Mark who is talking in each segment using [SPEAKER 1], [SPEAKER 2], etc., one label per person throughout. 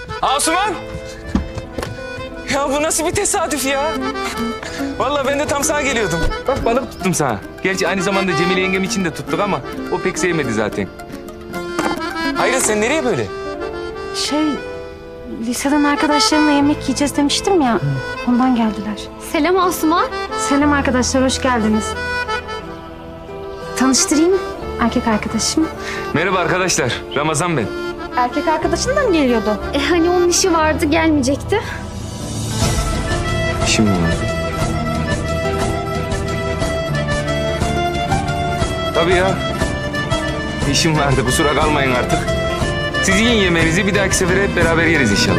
[SPEAKER 1] Asuman! Ya bu nasıl bir tesadüf ya? Vallahi ben de tam sana geliyordum. Bak balık tuttum sana. Gerçi aynı zamanda Cemile yengem için de tuttuk ama o pek sevmedi zaten. Hayır sen nereye böyle?
[SPEAKER 2] Liseden arkadaşlarımla yemek yiyeceğiz demiştim ya. Ondan geldiler.
[SPEAKER 3] Selam Asuman.
[SPEAKER 2] Selam arkadaşlar, hoş geldiniz. Tanıştırayım, erkek arkadaşım.
[SPEAKER 1] Merhaba arkadaşlar, Ramazan ben.
[SPEAKER 2] Erkek arkadaşın da mı geliyordu?
[SPEAKER 3] Hani onun işi vardı, gelmeyecekti.
[SPEAKER 1] Şimdi mi? Tabii ya. İşim vardı, kusura kalmayın artık. Siz yiyin yemeğinizi, bir dahaki sefere hep beraber yeriz inşallah.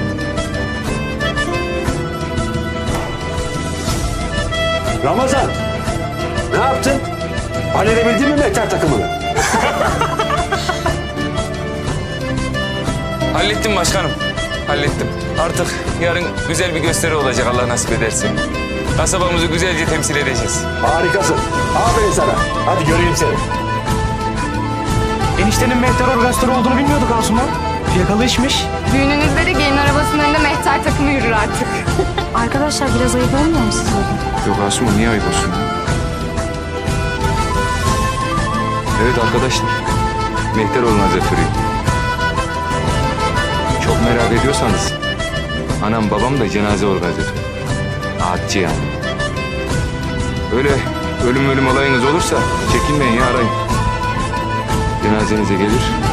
[SPEAKER 4] Ramazan, ne yaptın? Halledebildin mi mehter takımını?
[SPEAKER 1] Hallettim başkanım, hallettim. Artık yarın güzel bir gösteri olacak Allah nasip ederse. Kasabamızı güzelce temsil edeceğiz.
[SPEAKER 4] Harikasın. Aferin sana. Hadi göreyim seni.
[SPEAKER 5] Eniştenin mehter organizatörü olduğunu bilmiyorduk Asuman. Fiyakalı işmiş.
[SPEAKER 3] Düğününüzde de gelin arabasının önünde mehter takımı yürür artık.
[SPEAKER 2] Arkadaşlar biraz ayıp olmuyor mu size?
[SPEAKER 1] Yok Asuman, niye ayıp olsun? Evet arkadaşlar, mehter organizatörüyüm. Çok merak ediyorsanız, anam babam da cenaze organizatörü. Ağatçı yani. Öyle ölüm olayınız olursa çekinmeyin ya, arayın. Cenazenize gelir,